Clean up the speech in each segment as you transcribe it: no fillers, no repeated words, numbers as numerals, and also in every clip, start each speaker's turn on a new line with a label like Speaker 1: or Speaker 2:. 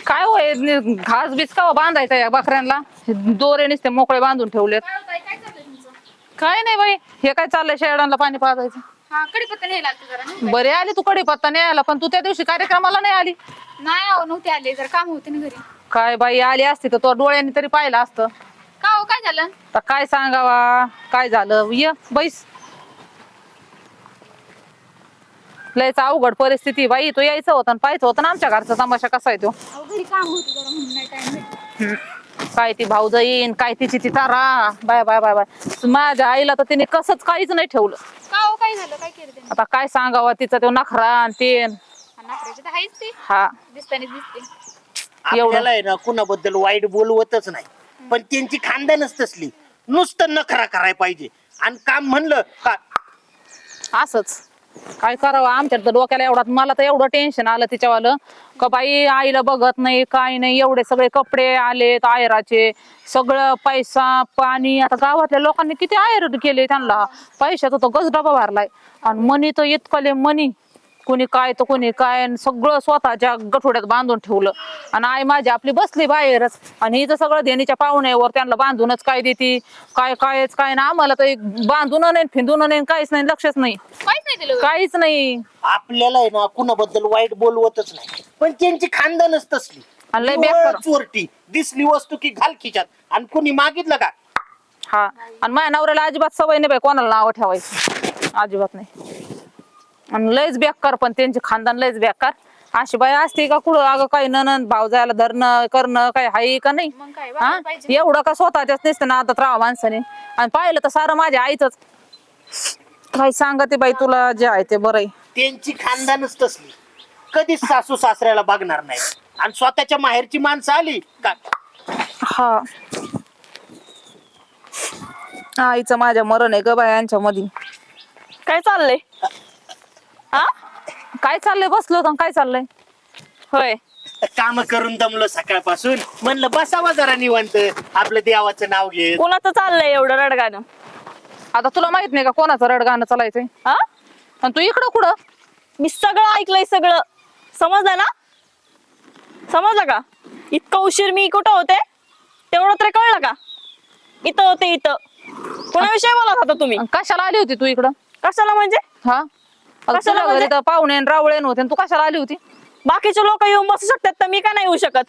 Speaker 1: काय होय घास बीस का बांधायचा या बकऱ्यांना दोरे नुसते मोकळे बांधून ठेवलेत.
Speaker 2: काय चाललंय तुमचं?
Speaker 1: काय नाही बाई, हे काय चाललंय शेळांना पाणी पाजायचं.
Speaker 2: हा कडीपत्ता न्यायला आलते जरा नाही
Speaker 1: बरे आली तू कडीपत्ता न्यायला, पण तू त्या दिवशी कार्यक्रमाला नाही आली.
Speaker 2: नाही अहो नव्हते आले, जर काम होते ना घरी.
Speaker 1: काय बाई आली असती तर तो डोळ्यांनी तरी पाहिलं असतं.
Speaker 2: का हो काय झालं?
Speaker 1: तर काय सांगावा काय झालं, ये बैस. लयच अवघड परिस्थिती बाई, तू यायचं होतं पाहायचं होतं ना आमच्या घरचा तमाशा कसा आहे तो.
Speaker 2: अहो घरी काम होते जरा म्हणून नाही टाइम भेटला.
Speaker 1: काय ती भाऊ जाईन काय तिची ती Tara. Bye bye bye bye, माझ्या आईला तर तिने कसंच काहीच नाही ठेवलं.
Speaker 2: का हो काय झालं? काय केलं त्यांनी?
Speaker 1: आता काय सांगावा तिचा तो नखरा आणि ते.
Speaker 2: नाकराची तर आहेच ती,
Speaker 1: हा
Speaker 2: दिसतानी दिसते.
Speaker 3: आपल्याला आहे ना कुणाबद्दल वाईट बोलवतच नाही, पण त्यांची खानदानच तसली. नुसतं नखरा करायला पाहिजे आणि काम म्हणलं का
Speaker 1: असंच काय करावं. आमच्या तर डोक्याला एवढा, मला तर एवढं टेन्शन आलं तिच्यावालं का बाई आईला बघत नाही काय नाही. एवढे सगळे कपडे आलेत आयराचे, सगळं पैसा पाणी. आता गावातल्या लोकांनी किती आयर केले त्यांना, पैशाचा तो गजडबा भरलाय. आणि मनी तर इतकले मनी, कोणी काय तर कोणी काय, सगळं स्वतःच्या गठोड्यात बांधून ठेवलं. आणि आई माझी आपली बसली बाहेरच, आणि हिचं सगळं देणीच्या पाहुण्यावर त्यांना बांधूनच काय देते काय कायच काय ना. आम्हाला तर बांधून नाही फिंदून नाही काहीच नाही, लक्षच नाही
Speaker 2: काहीच नाही दिलं.
Speaker 1: काहीच नाही.
Speaker 3: आपल्याला आहे ना कुणाबद्दल वाईट बोलवतच नाही, पण त्यांची खानदानच तसली.
Speaker 1: आणि लय बेकार.
Speaker 3: चोरटी दिसली वस्तू की घाल खिच्यात, आणि कुणी मागितलं का
Speaker 1: हा, आणि माझ्या नवऱ्याला अजिबात सवय नाही बाई कोणाला नाव ठेवायचं, अजिबात नाही. आणि लयच बेकार, पण त्यांचे खानदान लयच बेकार. अशी बाई असते का कुठं? अगं काही ननंद भाव जायला धरणं करणं काय हाय का नाही?
Speaker 2: मग काय
Speaker 1: हा
Speaker 2: वागायला पाहिजे.
Speaker 1: एवढं का स्वतःच्याच नसतं ना आता राहा माणसाने. आणि पाहिलं तर सारं माझ्या आईच. काय सांगते बाई तुला, जे आहे ते बरं आहे.
Speaker 3: त्यांची खानदानच तसली. कधीच सासू सासऱ्याला बघणार नाही, आणि स्वतःच्या माहेरची माणसं आली का
Speaker 1: हा, आईचं माझ्या मरण आहे ग बाई यांच्या मध्ये. काय चाललंय? हा काय चाललंय? बसलो होतो काय चाललंय? होय
Speaker 3: काम करून दमलो सकाळपासून, म्हणलं बसावा जरा निवांत आपलं देवाचं नाव घेत.
Speaker 4: कोणाचं चाललंय एवढं रडगाणं?
Speaker 1: आता तुला माहित नाही का कोणाचं रडगाणं चालायचंय?
Speaker 4: हा,
Speaker 1: आणि तू इकडं कुठं?
Speaker 4: मी सगळं ऐकलंय, सगळं समजलं ना? समजलं का? इतकं उशीर मी कुठं होते तेवढं तरी कळलं का? इथं होते, इथं. कोणाविषयी बोलत होता तुम्ही?
Speaker 1: आणि कशाला आली होती तू इकडं?
Speaker 4: कशाला म्हणजे?
Speaker 1: हा, आता
Speaker 4: कशाला
Speaker 1: तुझ्या घरी
Speaker 4: म्हणजे?
Speaker 1: तर पाहुणे आणि रावळे होते आणि तू कशाला आली होती?
Speaker 4: बाकीचे लोक येऊन बसू शकतात तर मी का नाही येऊ शकत?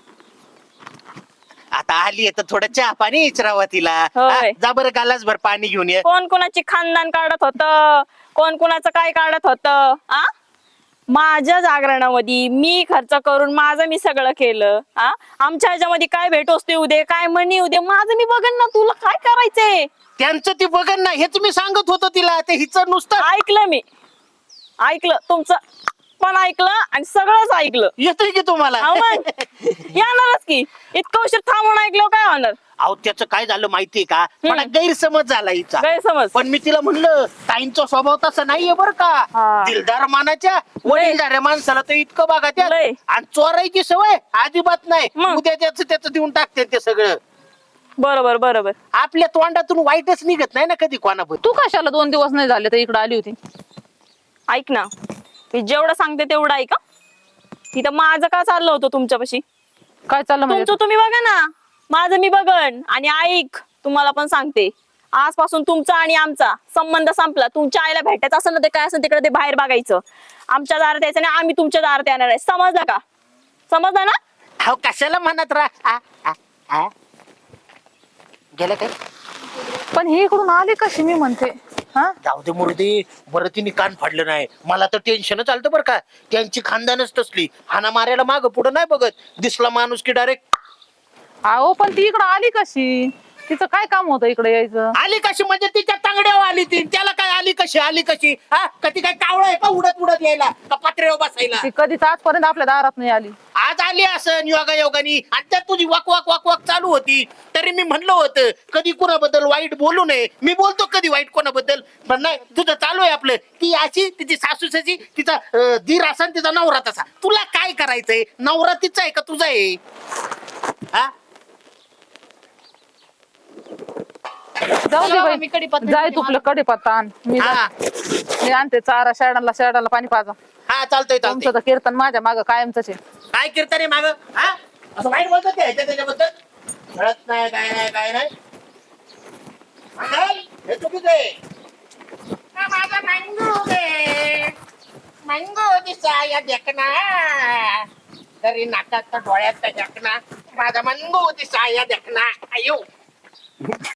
Speaker 3: आता आली तर थोडं चहा पाणी इचरावा तिला.
Speaker 4: होय.
Speaker 3: हा, जा बरं गालाच भर पाणी घेऊन ये.
Speaker 4: कोण कोणाची खानदान काढत होत, कोण कोणाचं काय काढत होत? आ, माझ्या जागरणामध्ये मी खर्च करून माझं मी सगळं केलं. आ, आमच्या ह्याच्यामध्ये काय भेटवस्तू येऊ दे, काय मनी येऊ दे, माझं मी बघन ना. तुला काय करायचंय?
Speaker 3: त्यांचं ती बघन ना, हेच मी सांगत होतो तिला. ते हिचं नुसतं
Speaker 4: ऐकलं मी, ऐकलं तुमचं पण ऐकलं आणि सगळंच ऐकलं.
Speaker 3: येतोय की तुम्हाला.
Speaker 4: अहो मग येणारच की, इतकं उशीर थांबून ऐकलं काय होणार?
Speaker 3: अहो त्याचं काय झालं माहितीये का, मला गैरसमज झाला हिचा.
Speaker 4: गैरसमज?
Speaker 3: पण मी तिला म्हणलं ताईंचा स्वभाव तसा नाहीये बरं का.
Speaker 4: हा.
Speaker 3: दिलदार मानाच्या वडीलधाऱ्या माणसाला तर इतकं बघा त्या,
Speaker 4: लय.
Speaker 3: आणि चोरायची सवय अजिबात नाही.
Speaker 4: मग?
Speaker 3: उद्या त्याचं देऊन टाकते ते सगळं.
Speaker 4: बरोबर बरोबर.
Speaker 3: आपल्या तोंडातून वाईटच निघत नाही ना कधी कोणाबद्दल.
Speaker 1: तू कशाला 2 दिवस नाही झाले तर इकडे आली होती?
Speaker 4: ऐक ना, मी जेवढं सांगते तेवढं ऐका. तिथं माझं का चाललं होतं तुमच्यापाशी?
Speaker 1: काय चाललं म्हणजे?
Speaker 4: तुमचं तुम्ही बघा ना, माझं मी बघन. आणि ऐक, तुम्हाला पण सांगते, आजपासून तुमचा आणि आमचा संबंध संपला. तुमच्या आईला भेटायचं असेल ना, ते काय असेल तिकडे ते बाहेर बघायचं. आमच्या दारात यायचं नाही, आम्ही तुमच्या दारात येणार आहे. समजलं का? समजलं ना?
Speaker 3: अहो कशाला म्हणत राहा. गेलं काय?
Speaker 1: पण ही इकडून आली कशी मी म्हणते? हा,
Speaker 3: जाऊ दे मुर्दी, बरं तिने कान फाडलं नाही. मला तर टेन्शन चालतं बरं का. त्यांची खानदानच तसली, हाना मारायला माग पुढं नाही बघत. दिसला माणूस की डायरेक्ट.
Speaker 1: अहो पण ती इकडं आली कशी? तिचं काय काम होतं इकडे यायचं?
Speaker 3: आली कशी म्हणजे तिच्या तांगड्यावर आली ती. त्याला काय आली कशी? हा, कधी काय कावळं आहे का उडत उडत यायला, का पत्र्यावर बसायला?
Speaker 1: ती कधीच आजपर्यंत आपल्या दारात नाही आली.
Speaker 3: आज आली असं योगायोगानी, आणि त्यात तुझी वाक वाक वाक वाक चालू होती. तरी मी म्हणलं होतं कधी कुणाबद्दल वाईट बोलू नये. मी बोलतो कधी वाईट कोणाबद्दल, पण नाही, तुझं चालू आहे आपलं. ती अशी, तिची सासूसाची, तिचा दीर असा तिचा नवरा तसा. तुला काय करायचंय? नवरा तिचा आहे का तुझा आहे? हा,
Speaker 1: जाऊ दे
Speaker 2: चला
Speaker 1: बाई
Speaker 2: मी कढीपत्ता
Speaker 1: जाय
Speaker 2: घेते
Speaker 1: तुपलं कडीपत्ता आण
Speaker 3: हा
Speaker 1: मी आणते चारा शेडाला पाणी पाजा
Speaker 3: हा चालतंय
Speaker 1: तुमचं
Speaker 3: चालतंय
Speaker 1: तर कीर्तन माझ्या माग कायमच आहे
Speaker 3: काय कीर्तन आहे माग हा असं वाईट बोलतात ते त्याच्याबद्दल कळत नाही काय नाही मंगल, हे चुकीचं आहे हा, माझा मंगू दिसा या देखना तरी नाकात डोळ्यात देखना माझा मंगू दिसा या देखना आयो